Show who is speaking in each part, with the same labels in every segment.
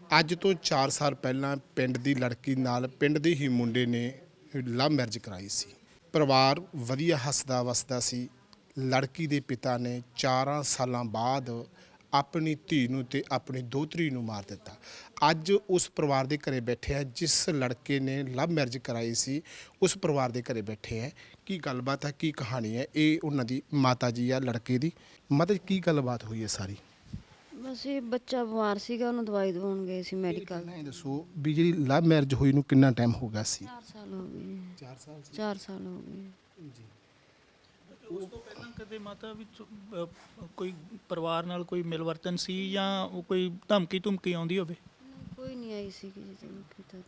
Speaker 1: ਅੱਜ ਤੋਂ 4 ਸਾਲ ਪਹਿਲਾਂ ਪਿੰਡ ਦੀ ਲੜਕੀ ਨਾਲ ਪਿੰਡ ਦੇ ਹੀ ਮੁੰਡੇ ਨੇ ਲਵ ਮੈਰਿਜ ਕਰਾਈ ਸੀ। ਪਰਿਵਾਰ ਵਧੀਆ ਹੱਸਦਾ ਵਸਦਾ ਸੀ। ਲੜਕੀ ਦੇ ਪਿਤਾ ਨੇ 4 ਸਾਲਾਂ ਬਾਅਦ ਆਪਣੀ ਧੀ ਨੂੰ ਤੇ ਆਪਣੀ ਦੋਹਤਰੀ ਨੂੰ ਮਾਰ ਦਿੱਤਾ। ਅੱਜ ਉਸ ਪਰਿਵਾਰ ਦੇ ਘਰੇ ਬੈਠੇ ਆ ਜਿਸ ਲੜਕੇ ਨੇ ਲਵ ਮੈਰਿਜ ਕਰਾਈ ਸੀ। ਉਸ ਪਰਿਵਾਰ ਦੇ ਘਰੇ ਬੈਠੇ ਆ। ਕੀ ਗੱਲਬਾਤ ਹੈ, ਕੀ ਕਹਾਣੀ ਹੈ, ਇਹ ਉਹਨਾਂ ਦੀ ਮਾਤਾ ਜੀ ਆ ਲੜਕੇ ਦੀ। ਮਾਤਾ ਜੀ ਕੀ ਗੱਲਬਾਤ ਹੋਈ ਹੈ ਸਾਰੀ?
Speaker 2: ਬਸ ਇਹ ਬੱਚਾ ਬਿਮਾਰ ਸੀਗਾ, ਉਹਨੂੰ ਦਵਾਈ ਦਵਾਉਣ ਗਏ ਸੀ ਮੈਡੀਕਲ।
Speaker 1: ਪਹਿਲਾਂ ਇਹ ਦੱਸੋ ਵੀ ਜਿਹੜੀ ਲਵ ਮੈਰਿਜ ਹੋਈ ਨੂੰ ਕਿੰਨਾ ਟਾਈਮ ਹੋ ਗਿਆ ਸੀ?
Speaker 2: 4 ਸਾਲ ਹੋ ਗਏ।
Speaker 1: 4 ਸਾਲ
Speaker 2: 4 ਸਾਲ ਹੋ ਗਏ
Speaker 1: ਜੀ।
Speaker 3: ਉਸ ਤੋਂ ਪਹਿਲਾਂ ਕਦੇ ਮਾਤਾ ਵਿੱਚ ਕੋਈ ਪਰਿਵਾਰ ਨਾਲ ਕੋਈ ਮਿਲਵਰਤਨ ਸੀ ਜਾਂ ਉਹ ਕੋਈ ਧਮਕੀ ਆਉਂਦੀ ਹੋਵੇ?
Speaker 2: ਕੋਈ ਨਹੀਂ ਆਈ ਸੀ ਕਿ ਜਦੋਂ ਕੀਤਾ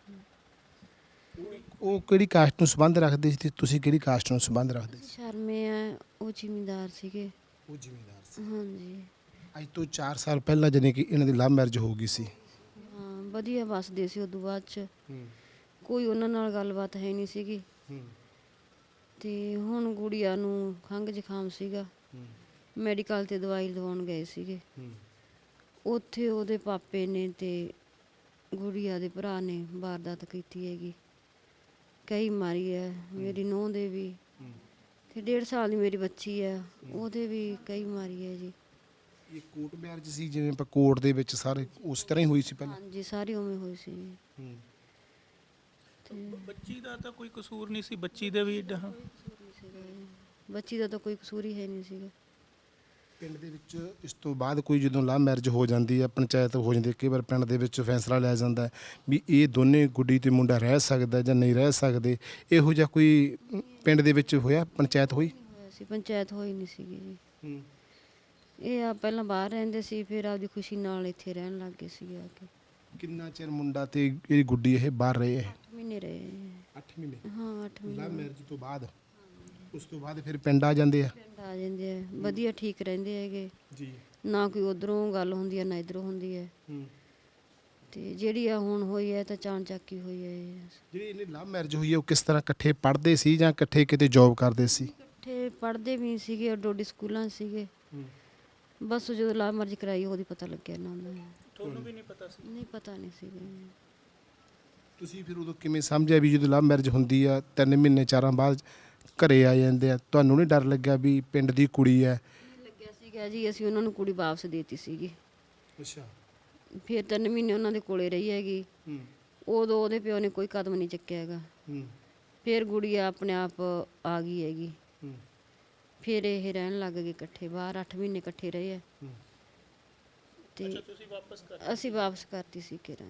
Speaker 1: ਉਹ ਕਿਹੜੀ ਕਾਸਟ ਨੂੰ ਸੰਬੰਧ ਰੱਖਦੇ ਸੀ ਤੇ ਤੁਸੀਂ ਕਿਹੜੀ ਕਾਸਟ ਨੂੰ ਸੰਬੰਧ ਰੱਖਦੇ ਸੀ?
Speaker 2: ਸ਼ਰਮੇ ਆ, ਉਹ ਜ਼ਿਮੀਂਦਾਰ ਸੀਗੇ।
Speaker 1: ਉਹ ਜ਼ਿਮੀਂਦਾਰ ਸੀ।
Speaker 2: ਹਾਂਜੀ
Speaker 1: ਅੱਜ ਤੋਂ 4 ਸਾਲ ਪਹਿਲਾਂ ਜਾਨੀ ਕਿ ਇਹਨਾਂ ਦੀ ਲਵ ਮੈਰਿਜ ਹੋ ਗਈ ਸੀ।
Speaker 2: ਹਾਂ, ਵਧੀਆ ਵੱਸਦੇ ਸੀ। ਉਦੋਂ ਬਾਅਦ ਚ ਕੋਈ ਉਹਨਾਂ ਨਾਲ ਗੱਲਬਾਤ ਹੈ ਨਹੀਂ ਸੀਗੀ। ਤੇ ਹੁਣ ਗੁੜੀਆ ਨੂੰ ਖੰਘ ਜ਼ੁਕਾਮ ਸੀਗਾ, ਮੈਡੀਕਲ ਤੇ ਦਵਾਈ ਦਵਾਉਣ ਗਏ ਸੀਗੇ। ਉੱਥੇ ਉਹਦੇ ਪਾਪੇ ਨੇ ਤੇ ਗੁੜੀਆ ਦੇ ਭਰਾ ਨੇ ਵਾਰਦਾਤ ਕੀਤੀ ਹੈਗੀ। ਕਈ ਮਾਰੀ ਹੈ ਮੇਰੀ ਨੂੰਹ ਦੇ ਵੀ, ਤੇ 1.5 ਸਾਲ ਦੀ ਮੇਰੀ ਬੱਚੀ ਹੈ, ਉਹਦੇ ਵੀ ਕਈ ਮਾਰੀ ਹੈ ਜੀ।
Speaker 1: ਇਹ ਕੋਰਟ ਮੈਰਿਜ ਸੀ ਜਿਵੇਂ ਆਪਾਂ ਕੋਰਟ ਦੇ ਵਿੱਚ ਸਾਰੇ ਉਸ ਤਰ੍ਹਾਂ ਹੀ ਹੋਈ ਸੀ ਪਹਿਲਾਂ?
Speaker 2: ਹਾਂਜੀ, ਸਾਰੀ ਉਵੇਂ ਹੋਈ ਸੀ ਜੀ।
Speaker 3: ਬੱਚੀ ਦਾ ਤਾਂ ਕੋਈ ਕਸੂਰ ਨਹੀਂ ਸੀ, ਬੱਚੀ ਦੇ ਵੀ
Speaker 2: ਬੱਚੀ ਦਾ ਤਾਂ ਕੋਈ ਕਸੂਰ ਹੀ ਹੈ ਨਹੀਂ ਸੀਗਾ।
Speaker 1: ਪਿੰਡ ਦੇ ਵਿੱਚ ਇਸ ਤੋਂ ਬਾਅਦ ਕੋਈ ਜਦੋਂ ਲਵ ਮੈਰਿਜ ਹੋ ਜਾਂਦੀ ਹੈ, ਪੰਚਾਇਤ ਹੋ ਜਾਂਦੀ ਹੈ, ਕਈ ਵਾਰ ਪਿੰਡ ਦੇ ਵਿੱਚ ਫੈਸਲਾ ਲਿਆ ਜਾਂਦਾ ਹੈ ਵੀ ਇਹ ਦੋਨੇ ਗੁੱਡੀ ਤੇ ਮੁੰਡਾ ਰਹਿ ਸਕਦਾ ਜਾਂ ਨਹੀਂ ਰਹਿ ਸਕਦੇ। ਇਹੋ ਜਿਹਾ ਕੋਈ ਪਿੰਡ ਦੇ ਵਿੱਚ ਹੋਇਆ? ਪੰਚਾਇਤ ਹੋਈ?
Speaker 2: ਹੋਇਆ ਸੀ, ਪੰਚਾਇਤ ਹੋਈ ਨਹੀਂ ਸੀਗੀ ਜੀ। ਇਹ ਆ ਪਹਿਲਾਂ ਬਾਹਰ ਰਹਿੰਦੇ ਸੀ, ਫਿਰ ਆਪਦੀ ਖੁਸ਼ੀ ਨਾਲ ਇੱਥੇ ਰਹਿਣ ਲੱਗ ਗਏ ਸੀ ਆ ਕੇ।
Speaker 1: ਕਿੰਨਾ ਚਿਰ ਮੁੰਡਾ ਤੇ ਇਹ ਗੁੱਡੀ ਇਹ ਬਾਹਰ ਰਹੇ ਹੈ?
Speaker 2: 8 ਮਹੀਨੇ ਰਹੇ।
Speaker 1: 8 ਮਹੀਨੇ?
Speaker 2: ਹਾਂ 8 ਮਹੀਨੇ।
Speaker 1: ਲਵ ਮੈਰਿਜ ਤੋਂ ਬਾਅਦ ਉਸ ਤੋਂ ਬਾਅਦ ਫਿਰ ਪਿੰਡ ਆ ਜਾਂਦੇ ਆ?
Speaker 2: ਪਿੰਡ ਆ ਜਾਂਦੇ ਆ, ਵਧੀਆ ਠੀਕ ਰਹਿੰਦੇ ਹੈਗੇ
Speaker 1: ਜੀ।
Speaker 2: ਨਾ ਕੋਈ ਉਧਰੋਂ ਗੱਲ ਹੁੰਦੀ ਹੈ ਨਾ ਇਧਰੋਂ ਹੁੰਦੀ ਹੈ। ਤੇ ਜਿਹੜੀ ਆ ਹੁਣ ਹੋਈ ਹੈ ਤਾਂ ਚਾਣ ਚੱਕੀ ਹੋਈ ਹੈ ਇਹ।
Speaker 1: ਜਿਹੜੀ ਇਹਨੇ ਲਵ ਮੈਰਿਜ ਹੋਈ ਹੈ ਉਹ ਕਿਸ ਤਰ੍ਹਾਂ ਇਕੱਠੇ ਪੜ੍ਹਦੇ ਸੀ ਜਾਂ ਇਕੱਠੇ ਕਿਤੇ ਜੌਬ ਕਰਦੇ ਸੀ?
Speaker 2: ਇਕੱਠੇ ਪੜ੍ਹਦੇ ਵੀ ਸੀਗੇ, ਡੋਡੀ ਸਕੂਲਾਂ 'ਚ ਸੀਗੇ। ਬਸ ਜਦੋਂ ਲਵ ਮੈਰਿਜ ਕਰਾਈ ਉਹਦੀ ਪਤਾ ਲੱਗਿਆ ਨਾ ਉਹਨਾਂ ਨੂੰ।
Speaker 3: ਤੁਹਾਨੂੰ ਵੀ ਨਹੀਂ ਪਤਾ ਸੀ?
Speaker 2: ਨਹੀਂ, ਪਤਾ ਨਹੀਂ ਸੀਗਾ।
Speaker 1: ਤੁਸੀਂ ਫਿਰ ਉਦੋਂ ਕਿਵੇਂ ਸਮਝਿਆ ਵੀ ਜਦੋਂ ਲਵ ਮੈਰਿਜ ਹੁੰਦੀ ਆ 3 ਮਹੀਨੇ 4 ਬਾਅਦ ਘਰੇ ਆ ਜਾਂਦੇ ਆ? ਤੁਹਾਨੂੰ ਨਹੀਂ ਡਰ ਲੱਗਿਆ ਵੀ ਪਿੰਡ ਦੀ ਕੁੜੀ ਹੈ?
Speaker 2: ਲੱਗਿਆ ਸੀਗਾ ਜੀ, ਅਸੀਂ ਉਹਨਾਂ ਨੂੰ ਕੁੜੀ ਵਾਪਸ ਦੇਤੀ ਸੀਗੀ।
Speaker 1: ਅੱਛਾ।
Speaker 2: ਫਿਰ 3 ਮਹੀਨੇ ਉਹਨਾਂ ਦੇ ਕੋਲੇ ਰਹੀ ਹੈਗੀ। ਉਦੋਂ ਉਹਦੇ ਪਿਓ ਨੇ ਕੋਈ ਕਦਮ ਨਹੀਂ ਚੱਕਿਆ ਹੈਗਾ। ਫਿਰ ਗੁੜੀਆ ਆਪਣੇ ਆਪ ਆ ਗਈ ਹੈਗੀ। ਫਿਰ ਇਹ ਰਹਿਣ ਲੱਗ ਗਏ ਇਕੱਠੇ ਬਾਹਰ। 8 ਮਹੀਨੇ ਇਕੱਠੇ ਰਹੇ ਆ। ਤੇ
Speaker 3: ਤੁਸੀਂ ਵਾਪਸ
Speaker 2: ਅਸੀਂ ਵਾਪਸ ਕਰਤੀ ਸੀ ਕਿਰਾਂ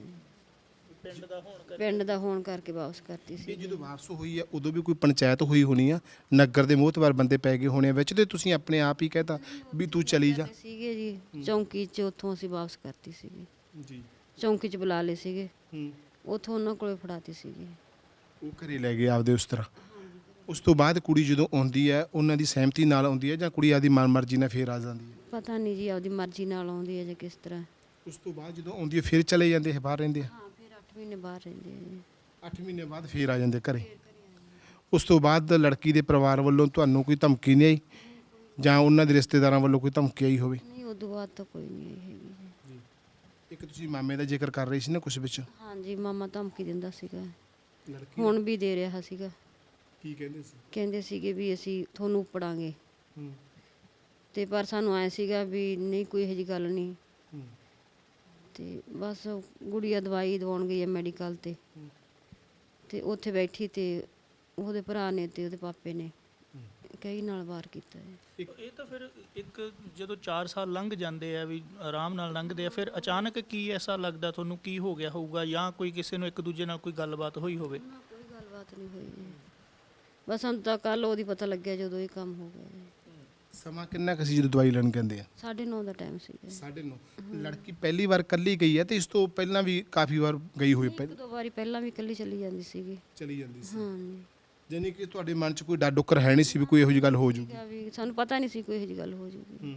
Speaker 3: ਪਿੰਡ ਦਾ ਹੋਣ
Speaker 2: ਕਰਕੇ ਵਾਪਸ ਕਰਤੀ ਸੀ।
Speaker 1: ਇਹ ਜਦੋਂ ਵਾਪਸ ਹੋਈ ਆ ਉਦੋਂ ਵੀ ਕੋਈ ਪੰਚਾਇਤ ਹੋਈ ਹੋਣੀ ਆ, ਨਗਰ ਦੇ ਮੋਹਤਵਾਰ ਬੰਦੇ ਪੈ ਗਏ ਹੋਣੇ ਵਿੱਚ ਤੇ ਤੁਸੀਂ ਆਪਣੇ ਆਪ ਹੀ ਕਹਿਤਾ ਵੀ ਤੂੰ ਚਲੀ ਜਾ?
Speaker 2: ਸੀਗੇ ਜੀ ਚੌਂਕੀ 'ਚ, ਉੱਥੋਂ ਅਸੀਂ ਵਾਪਸ ਕਰਤੀ ਸੀਗੀ
Speaker 1: ਜੀ।
Speaker 2: ਚੌਂਕੀ 'ਚ ਬੁਲਾ ਲਏ ਸੀਗੇ, ਉੱਥੋਂ ਉਹਨਾਂ ਕੋਲੇ ਫੜਾਤੀ ਸੀਗੀ।
Speaker 1: ਉਹ ਘਰੇ ਲੈ ਗਏ ਆਪਦੇ ਉਸ ਤਰ੍ਹਾਂ? ਉਸ ਤੋਂ ਬਾਅਦ ਕੁੜੀ ਜਦੋਂ ਆਉਂਦੀ ਹੈ ਉਹਨਾਂ ਦੀ ਸਹਿਮਤੀ ਨਾਲ ਆਉਂਦੀ ਹੈ ਜਾਂ ਕੁੜੀ ਆਪਦੀ ਮਨਮਰਜ਼ੀ ਨਾਲ ਫੇਰ ਆ ਜਾਂਦੀ ਹੈ?
Speaker 2: ਪਤਾ ਨਹੀਂ ਜੀ, ਆਪਦੀ ਮਰਜ਼ੀ ਨਾਲ ਆਉਂਦੀ ਹੈ ਜਾਂ ਕਿਸ ਤਰ੍ਹਾਂ।
Speaker 1: ਉਸ ਤੋਂ ਬਾਅਦ ਜਦੋਂ ਆਉਂਦੀ ਹੈ ਫਿਰ ਚਲੇ ਜਾਂਦੇ ਹੈ, ਬਾਹਰ ਰਹਿੰਦੇ ਆ?
Speaker 2: ਹਾਂ, ਫਿਰ 8 ਮਹੀਨੇ ਬਾਹਰ ਰਹਿੰਦੇ ਆ ਜੀ।
Speaker 1: 8 ਮਹੀਨੇ ਬਾਅਦ ਫੇਰ ਆ ਜਾਂਦੇ ਘਰੇ? ਉਸ ਤੋਂ ਬਾਅਦ ਲੜਕੀ ਦੇ ਪਰਿਵਾਰ ਵੱਲੋਂ ਤੁਹਾਨੂੰ ਕੋਈ ਧਮਕੀ ਨਹੀਂ ਆਈ ਜਾਂ ਉਹਨਾਂ ਦੇ ਰਿਸ਼ਤੇਦਾਰਾਂ ਵੱਲੋਂ ਕੋਈ ਧਮਕੀ ਆਈ ਹੋਵੇ?
Speaker 2: ਨਹੀਂ, ਉਦੋਂ ਬਾਅਦ ਤਾਂ ਕੋਈ ਨਹੀਂ ਆਈ ਹੈਗੀ ਜੀ।
Speaker 1: ਇੱਕ ਤੁਸੀਂ ਮਾਮੇ ਦਾ ਜ਼ਿਕਰ ਕਰ ਰਹੇ ਸੀ ਨਾ ਕੁਝ ਵਿੱਚ?
Speaker 2: ਹਾਂਜੀ, ਮਾਮਾ ਧਮਕੀ ਦਿੰਦਾ ਸੀਗਾ,
Speaker 1: ਲੜਕੀ
Speaker 2: ਹੁਣ ਵੀ ਦੇ ਰਿਹਾ ਸੀਗਾ।
Speaker 1: ਕੀ ਕਹਿੰਦੇ ਸੀ?
Speaker 2: ਕਹਿੰਦੇ ਸੀਗੇ ਵੀ ਅਸੀਂ ਤੁਹਾਨੂੰ ਉਪੜਾਂਗੇ। ਤੇ ਪਰ ਸਾਨੂੰ ਆਇਆ ਸੀਗਾ ਵੀ ਨਹੀਂ, ਕੋਈ ਇਹੋ ਜਿਹੀ ਗੱਲ ਨਹੀਂ। ਤੇ ਬਸ ਗੁੜੀਆ ਦਵਾਈ ਦਵਾਉਣ ਗਈ ਹੈ ਮੈਡੀਕਲ ਤੇ ਉੱਥੇ ਬੈਠੀ ਤੇ ਉਹਦੇ ਭਰਾ ਨੇ ਤੇ ਉਹਦੇ ਪਾਪੇ ਨੇ ਕਈ ਨਾਲ ਵਾਰ ਕੀਤਾ ਹੈ।
Speaker 3: ਇਹ ਤਾਂ ਫਿਰ ਇੱਕ ਜਦੋਂ 4 ਸਾਲ ਲੰਘ ਜਾਂਦੇ ਆ ਵੀ ਆਰਾਮ ਨਾਲ ਲੰਘਦੇ ਆ, ਫਿਰ ਅਚਾਨਕ ਕੀ ਐਸਾ ਲੱਗਦਾ ਤੁਹਾਨੂੰ, ਕੀ ਹੋ ਗਿਆ ਹੋਊਗਾ ਜਾਂ ਕੋਈ ਕਿਸੇ ਨੂੰ ਇੱਕ ਦੂਜੇ ਨਾਲ ਕੋਈ ਗੱਲਬਾਤ ਹੋਈ ਹੋਵੇ?
Speaker 2: ਕੋਈ ਗੱਲਬਾਤ ਨਹੀਂ ਹੋਈ ਜੀ। ਬਸ ਸਾਨੂੰ ਤਾਂ ਕੱਲ ਉਹਦੀ ਪਤਾ ਲੱਗਿਆ ਜਦੋਂ ਇਹ ਕੰਮ ਹੋ ਗਿਆ ਜੀ।
Speaker 1: ਸਮਾਂ ਕਿੰਨਾ ਕੁ ਸੀ ਜਦੋਂ ਦਵਾਈ ਲੈਣ ਕਹਿੰਦੇ ਆ?
Speaker 2: 9:30 ਦਾ ਟਾਈਮ ਸੀਗਾ।
Speaker 1: 9:30? ਲੜਕੀ ਪਹਿਲੀ ਵਾਰ ਇਕੱਲੀ ਗਈ ਹੈ ਤੇ ਇਸ ਤੋਂ ਪਹਿਲਾਂ ਵੀ ਕਾਫੀ ਵਾਰ ਗਈ ਹੋਈ?
Speaker 2: 1-2 ਵਾਰੀ ਪਹਿਲਾਂ ਵੀ ਇਕੱਲੀ ਚਲੀ ਜਾਂਦੀ ਸੀਗੀ।
Speaker 1: ਚਲੀ ਜਾਂਦੀ ਸੀ?
Speaker 2: ਹਾਂਜੀ।
Speaker 1: ਜਾਨੀ ਕਿ ਤੁਹਾਡੇ ਮਨ 'ਚ ਕੋਈ ਡਰ ਡੁੱਕਰ ਹੈ ਨਹੀਂ ਸੀ ਵੀ ਕੋਈ ਇਹੋ ਜਿਹੀ ਗੱਲ ਹੋ ਜੂਗੀ?
Speaker 2: ਵੀ ਸਾਨੂੰ ਪਤਾ ਨਹੀਂ ਸੀ ਕੋਈ ਇਹੋ ਜਿਹੀ ਗੱਲ ਹੋ ਜੂਗੀ।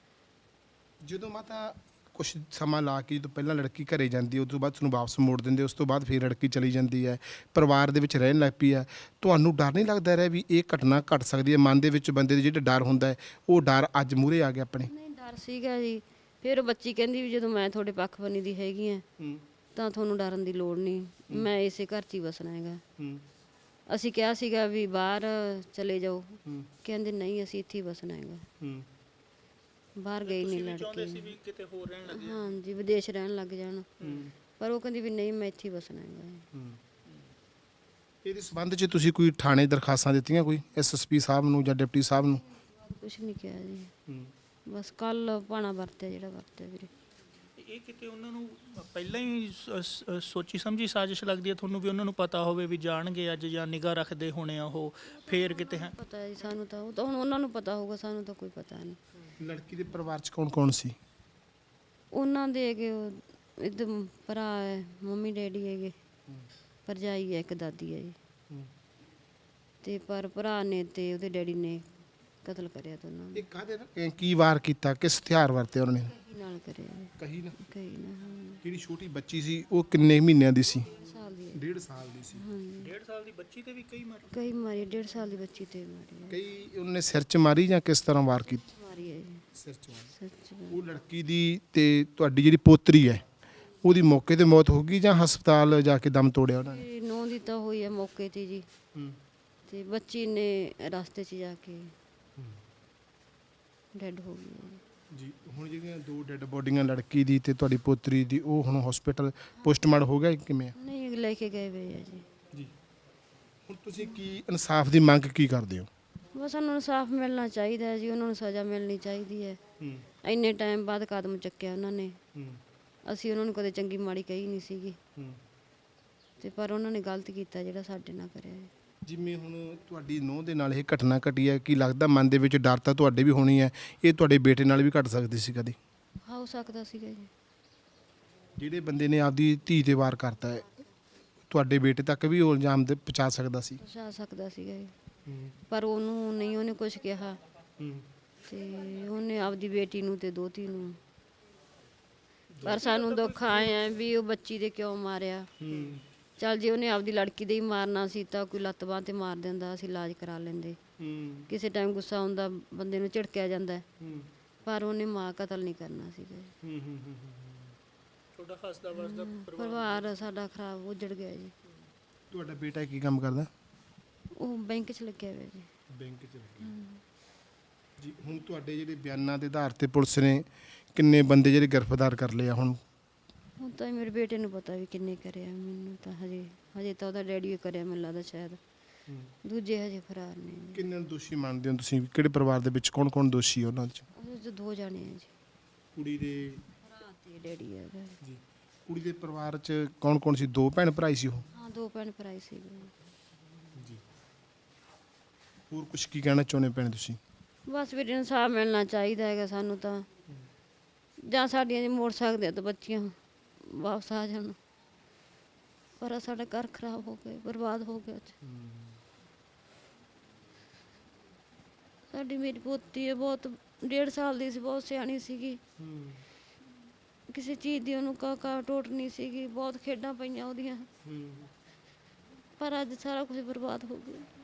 Speaker 1: ਜਦੋਂ ਮਾਤਾ ਕੁਛ ਸਮਾਂ ਲਾ ਕੇ ਜਦੋਂ ਪਹਿਲਾਂ ਲੜਕੀ ਘਰੇ ਜਾਂਦੀ ਹੈ ਉਸ ਤੋਂ ਬਾਅਦ ਤੁਹਾਨੂੰ ਵਾਪਸ ਮੋੜ ਦਿੰਦੇ, ਉਸ ਤੋਂ ਬਾਅਦ ਫਿਰ ਲੜਕੀ ਚਲੀ ਜਾਂਦੀ ਹੈ, ਪਰਿਵਾਰ ਦੇ ਵਿੱਚ ਰਹਿਣ ਲੱਗ ਪਈ ਹੈ, ਤੁਹਾਨੂੰ ਡਰ ਨਹੀਂ ਲੱਗਦਾ ਰਿਹਾ ਵੀ ਇਹ ਘਟਨਾ ਘਟ ਸਕਦੀ ਹੈ? ਮਨ ਦੇ ਵਿੱਚ ਬੰਦੇ ਦੇ ਜਿਹੜਾ ਡਰ ਹੁੰਦਾ ਹੈ ਉਹ ਡਰ ਅੱਜ ਮੂਹਰੇ ਆ ਗਿਆ ਆਪਣੇ?
Speaker 2: ਨਹੀਂ, ਡਰ ਸੀਗਾ ਜੀ। ਫਿਰ ਉਹ ਬੱਚੀ ਕਹਿੰਦੀ ਵੀ ਜਦੋਂ ਮੈਂ ਤੁਹਾਡੇ ਪੱਖ ਬਣੀ ਦੀ ਹੈਗੀ ਆ ਤਾਂ ਤੁਹਾਨੂੰ ਡਰਨ ਦੀ ਲੋੜ ਨਹੀਂ, ਮੈਂ ਇਸੇ ਘਰ 'ਚ ਹੀ ਵਸਣਾ ਹੈਗਾ।
Speaker 1: ਹੂੰ
Speaker 2: ਅਸੀਂ ਕਿਹਾ ਸੀਗਾ ਵੀ ਬਾਹਰ ਚਲੇ ਜਾਓ,
Speaker 1: ਹੂੰ
Speaker 2: ਕਹਿੰਦੇ ਨਹੀਂ ਅਸੀਂ ਇੱਥੇ ਹੀ ਵਸਣਾ ਹੈਗਾ।
Speaker 1: ਹੂੰ
Speaker 2: ਬਾਹਰ ਗਈ ਨਹੀਂ
Speaker 3: ਤੁਸੀਂ ਵੀ ਚਾਹੁੰਦੇ ਸੀ
Speaker 2: ਲੜਕੀ।
Speaker 3: ਵੀ ਕਿਤੇ ਹੋਰ ਰਹਿਣ ਲੱਗੇ।
Speaker 2: ਹਾਂਜੀ, ਵਿਦੇਸ਼ ਰਹਿਣ ਲੱਗ ਜਾਣ,
Speaker 1: ਹੂੰ
Speaker 2: ਪਰ ਉਹ ਕਹਿੰਦੀ ਵੀ ਨਹੀਂ ਮੈਂ ਇੱਥੇ ਹੀ ਵਸਣਾ ਹੈਗਾ।
Speaker 1: ਹੂੰ ਇਹਦੇ ਸੰਬੰਧ 'ਚ ਤੁਸੀਂ ਕੋਈ ਥਾਣੇ ਦਰਖਾਸਤਾਂ ਦਿੱਤੀਆਂ, ਕੋਈ ਐਸਐਸਪੀ ਸਾਹਿਬ ਨੂੰ ਜਾਂ ਡਿਪਟੀ ਸਾਹਿਬ ਨੂੰ?
Speaker 2: ਕੁਛ ਨਹੀਂ ਕਿਹਾ ਜੀ,
Speaker 1: ਹੂੰ
Speaker 2: ਬਸ ਕੱਲ ਪਾਣਾ ਵਰਤਿਆ ਜਿਹੜਾ ਵਰਤਿਆ ਵੀਰੇ।
Speaker 3: ਇਹ ਕਿਤੇ ਉਹਨਾਂ ਨੂੰ ਪਹਿਲਾਂ ਹੀ ਸੋਚੀ ਸਮਝੀ ਸਾਜ਼ਿਸ਼ ਲੱਗਦੀ ਹੈ ਤੁਹਾਨੂੰ ਵੀ ਉਹਨਾਂ ਨੂੰ ਪਤਾ ਹੋਵੇ ਵੀ ਜਾਣਗੇ ਅੱਜ ਜਾਂ ਨਿਗਾਹ ਰੱਖਦੇ ਹੋਣੇ ਆ ਉਹ, ਫੇਰ ਕਿਤੇ ਹੈ?
Speaker 2: ਪਤਾ ਹੈ ਜੀ ਸਾਨੂੰ ਤਾਂ, ਉਹ ਤਾਂ ਹੁਣ ਉਹਨਾਂ ਨੂੰ ਪਤਾ ਹੋਊਗਾ, ਸਾਨੂੰ ਤਾਂ ਕੋਈ ਪਤਾ ਨਹੀਂ।
Speaker 1: ਲੜਕੀ ਦੇ ਪਰਿਵਾਰ 'ਚ ਕੌਣ ਕੌਣ ਸੀ?
Speaker 2: ਉਹਨਾਂ ਦੇ ਹੈਗੇ ਉਹ ਇੱਧਰ ਭਰਾ ਹੈ, ਮੰਮੀ ਡੈਡੀ ਹੈਗੇ, ਭਰਜਾਈ ਹੈ, ਇੱਕ ਦਾਦੀ ਹੈ ਜੀ। ਤੇ ਪਰ ਭਰਾ ਨੇ ਤੇ ਉਹਦੇ ਡੈਡੀ ਨੇ ਕਤਲ ਕਰਿਆ ਦੋਨਾਂ ਨੂੰ।
Speaker 1: ਇਹ ਕਾਹਦੇ ਨਾਲ ਕੀ ਵਾਰ ਕੀਤਾ, ਕਿਸ ਹਥਿਆਰ ਵਰਤੇ ਉਹਨਾਂ ਨੇ?
Speaker 2: ਕੀ ਨਾਲ ਕਰਿਆ ਜੀ,
Speaker 1: ਕਹੀ ਨਾ
Speaker 2: ਕਈ ਨਾ।
Speaker 1: ਜਿਹੜੀ ਛੋਟੀ ਬੱਚੀ ਸੀ ਉਹ ਕਿੰਨੇ ਮਹੀਨਿਆਂ ਦੀ ਸੀ?
Speaker 2: ਸਾਲ ਦੀ ਹੈ।
Speaker 1: 1.5 ਸਾਲ ਦੀ ਸੀ।
Speaker 2: ਹਾਂਜੀ,
Speaker 3: 1.5 ਸਾਲ ਦੀ ਬੱਚੀ ਤੇ ਵੀ ਕਈ ਮਾਰ
Speaker 2: ਕਈ ਮਾਰੀ, 1.5 ਸਾਲ ਦੀ ਬੱਚੀ ਤੇ ਮਾਰੀ ਹੈ।
Speaker 1: ਕਈ ਉਹਨੇ ਸਿਰ 'ਚ ਮਾਰੀ ਜਾਂ ਕਿਸ ਤਰ੍ਹਾਂ ਵਾਰ ਕੀਤੀ?
Speaker 2: ਮਾਰੀ ਹੈ ਜੀ,
Speaker 1: ਸਿਰ 'ਚ ਮਾਰੀ।
Speaker 2: ਸੱਚ
Speaker 1: ਉਹ ਲੜਕੀ ਦੀ ਤੇ ਤੁਹਾਡੀ ਜਿਹੜੀ ਪੋਤਰੀ ਹੈ ਉਹਦੀ ਮੌਕੇ ਤੇ ਮੌਤ ਹੋ ਗਈ ਜਾਂ ਹਸਪਤਾਲ ਜਾ ਕੇ ਦਮ ਤੋੜਿਆ ਉਹਨਾਂ ਨੇ?
Speaker 2: ਨੌ ਦੀ ਤਾਂ ਹੋਈ ਹੈ ਮੌਕੇ ਤੇ ਜੀ, ਤੇ ਬੱਚੀ ਨੇ ਰਸਤੇ 'ਚ ਜਾ ਕੇ ਡੈਡ ਹੋ ਗਈ ਹੈ ਜੀ।
Speaker 1: ਜੀ ਹੁਣ ਜਿਹੜੀਆਂ ਦੋ ਡੈੱਡ ਬੋਡੀਆਂ ਲੜਕੀ ਦੀ ਤੇ ਤੁਹਾਡੀ ਪੋਤਰੀ ਦੀ, ਉਹ ਹੁਣ ਹਸਪੀਟਲ ਪੋਸਟਮਾਰਟਮ ਹੋ ਗਿਆ ਕਿਵੇਂ?
Speaker 2: ਨਹੀਂ ਲੈ ਕੇ ਗਏ ਵੇ ਆ ਜੀ।
Speaker 1: ਜੀ ਹੁਣ ਤੁਸੀਂ ਕੀ ਇਨਸਾਫ ਦੀ ਮੰਗ ਕੀ ਕਰਦੇ ਹੋ?
Speaker 2: ਬਸ ਉਹਨਾਂ ਨੂੰ ਇਨਸਾਫ ਮਿਲਣਾ ਚਾਹੀਦਾ ਹੈ ਜੀ, ਉਹਨਾਂ ਨੂੰ ਸਜ਼ਾ ਮਿਲਣੀ ਚਾਹੀਦੀ ਹੈ। ਇੰਨੇ ਟਾਈਮ ਬਾਅਦ ਕਦਮ ਚੱਕਿਆ ਉਹਨਾਂ ਨੇ, ਅਸੀਂ ਉਹਨਾਂ ਨੂੰ ਕਦੇ ਚੰਗੀ ਮਾੜੀ ਕਹੀ ਨਹੀਂ ਸੀਗੀ, ਤੇ ਪਰ ਉਹਨਾਂ ਨੇ ਗਲਤ ਕੀਤਾ ਜਿਹੜਾ ਸਾਡੇ ਨਾਲ ਕਰਿਆ ਹੈ।
Speaker 1: ਜਿਵੇਂ ਹੁਣ ਤੁਹਾਡੀ ਨੂੰਹ ਦੇ ਨਾਲ ਇਹ ਘਟਨਾ ਘਟੀ ਹੈ, ਕੀ ਲੱਗਦਾ ਮਨ ਦੇ ਵਿੱਚ ਡਰ ਤਾਂ ਤੁਹਾਡੇ ਵੀ ਹੋਣੀ ਹੈ, ਇਹ ਤੁਹਾਡੇ ਬੇਟੇ ਨਾਲ ਵੀ ਘਟ ਸਕਦੀ ਸੀ ਕਦੇ?
Speaker 2: ਹੋ ਸਕਦਾ ਸੀਗਾ ਜੀ।
Speaker 1: ਜਿਹੜੇ ਬੰਦੇ ਨੇ ਆਪਦੀ ਧੀ ਤੇ ਵਾਰ ਕਰਤਾ ਹੈ, ਤੁਹਾਡੇ ਬੇਟੇ ਤੱਕ ਵੀ ਉਹ ਇਲਜ਼ਾਮ ਦੇ ਪਹੁੰਚਾ ਸਕਦਾ ਸੀ?
Speaker 2: ਪਹੁੰਚਾ ਸਕਦਾ ਸੀਗਾ ਜੀ, ਪਰ ਉਹਨੂੰ ਨਹੀਂ, ਉਹਨੇ ਕੁਝ ਕਿਹਾ ਤੇ ਉਹਨੇ ਆਪਦੀ ਬੇਟੀ ਨੂੰ ਤੇ ਦੋਤੀ ਨੂੰ। ਪਰ ਸਾਨੂੰ ਦੁੱਖ ਆਇਆ ਵੀ ਉਹ ਬੱਚੀ ਦੇ ਕਿਉਂ ਮਾਰਿਆ। ਚੱਲ ਜੇ ਉਹਨੇ ਆਪਦੀ ਲੜਕੀ ਦੇ ਹੀ ਮਾਰਨਾ ਸੀ ਤਾਂ ਕੋਈ ਲੱਤ ਬਾਂਹ ਤੇ ਮਾਰ ਦਿੰਦਾ, ਅਸੀਂ ਇਲਾਜ ਕਰਾ ਲੈਂਦੇ। ਕਿਸੇ ਟਾਈਮ ਗੁੱਸਾ ਆਉਂਦਾ, ਬੰਦੇ ਨੂੰ ਝਿੜਕਿਆ ਜਾਂਦਾ, ਪਰ ਉਹਨੇ ਮਾਂ ਕਤਲ ਨਹੀਂ ਕਰਨਾ ਸੀਗਾ।
Speaker 3: ਤੁਹਾਡਾ ਹੱਸਦਾ ਵਸਦਾ
Speaker 2: ਪਰਿਵਾਰ ਸਾਡਾ ਖਰਾਬ ਉਜੜ ਗਿਆ ਜੀ।
Speaker 1: ਤੁਹਾਡਾ ਬੇਟਾ ਕੀ ਕੰਮ ਕਰਦਾ?
Speaker 2: ਉਹ ਬੈਂਕ 'ਚ ਲੱਗਿਆ ਹੋਇਆ ਜੀ।
Speaker 1: ਬੈਂਕ 'ਚ ਲੱਗਿਆ ਜੀ। ਹੁਣ ਤੁਹਾਡੇ ਜਿਹੜੇ ਬਿਆਨਾਂ ਦੇ ਆਧਾਰ ਤੇ ਪੁਲਿਸ ਨੇ ਕਿੰਨੇ ਬੰਦੇ ਜਿਹੜੇ ਗ੍ਰਿਫਤਾਰ ਕਰ ਲਏ ਆ ਹੁਣ?
Speaker 2: ਹੁਣ ਤਾਂ ਮੇਰੇ ਬੇਟੇ ਨੂੰ ਪਤਾ ਵੀ ਕਿੰਨੇ ਕਰਿਆ, ਮੈਨੂੰ ਤਾਂ ਹਜੇ ਤਾਂ ਉਹਦਾ ਡੈਡੀ ਹੀ ਕਰਿਆ ਮੈਨੂੰ ਲੱਗਦਾ ਸ਼ਾਇਦ, ਦੂਜੇ ਹਜੇ ਫਰਾਰ ਨੇ ਜੀ।
Speaker 1: ਕਿੰਨੇ ਨੂੰ ਦੋਸ਼ੀ ਮੰਨਦੇ ਹੋ ਤੁਸੀਂ? ਕਿਹੜੇ ਪਰਿਵਾਰ ਦੇ ਵਿੱਚ ਕੌਣ ਕੌਣ ਦੋਸ਼ੀ ਹੈ ਉਹਨਾਂ 'ਚ?
Speaker 2: ਉਹਦੇ 'ਚ ਦੋ ਜਾਣੇ ਆ ਜੀ,
Speaker 1: ਕੁੜੀ ਦੇ
Speaker 2: ਭਰਾ ਤੇ ਡੈਡੀ ਹੈ ਉਹਦਾ।
Speaker 1: ਜੀ ਕੁੜੀ ਦੇ ਪਰਿਵਾਰ 'ਚ ਕੌਣ ਕੌਣ ਸੀ? ਦੋ ਭੈਣ ਭਰਾ ਹੀ ਸੀ ਉਹ?
Speaker 2: ਹਾਂ, ਦੋ ਭੈਣ ਭਰਾ ਹੀ ਸੀਗੇ
Speaker 1: ਜੀ ਹੋਰ ਕੁਝ ਕੀ ਕਹਿਣਾ ਚਾਹੁੰਦੇ ਭੈਣ ਤੁਸੀਂ?
Speaker 2: ਬਸ ਵੀਰੇ ਇਨਸਾਫ ਮਿਲਣਾ ਚਾਹੀਦਾ ਹੈਗਾ ਸਾਨੂੰ ਤਾਂ, ਜਾਂ ਸਾਡੀਆਂ ਜੇ ਮੋੜ ਸਕਦੇ ਆ ਤਾਂ ਬੱਚੀਆਂ ਵਾਪਸ ਆ ਜਾਣ, ਪਰ ਆਹ ਸਾਡਾ ਘਰ ਖਰਾਬ ਹੋ ਗਿਆ, ਬਰਬਾਦ ਹੋ ਗਿਆ। ਸਾਡੀ ਮੇਰੀ ਪੋਤੀ ਹੈ, ਬਹੁਤ 1.5 ਸਾਲ ਦੀ ਸੀ, ਬਹੁਤ ਸਿਆਣੀ ਸੀਗੀ, ਕਿਸੇ ਚੀਜ਼ ਦੀ ਉਹਨੂੰ ਕਾ ਟੋਟ ਨਹੀਂ ਸੀਗੀ, ਬਹੁਤ ਖੇਡਾਂ ਪਈਆਂ ਉਹਦੀਆਂ, ਪਰ ਅੱਜ ਸਾਰਾ ਕੁਝ ਬਰਬਾਦ ਹੋ ਗਿਆ।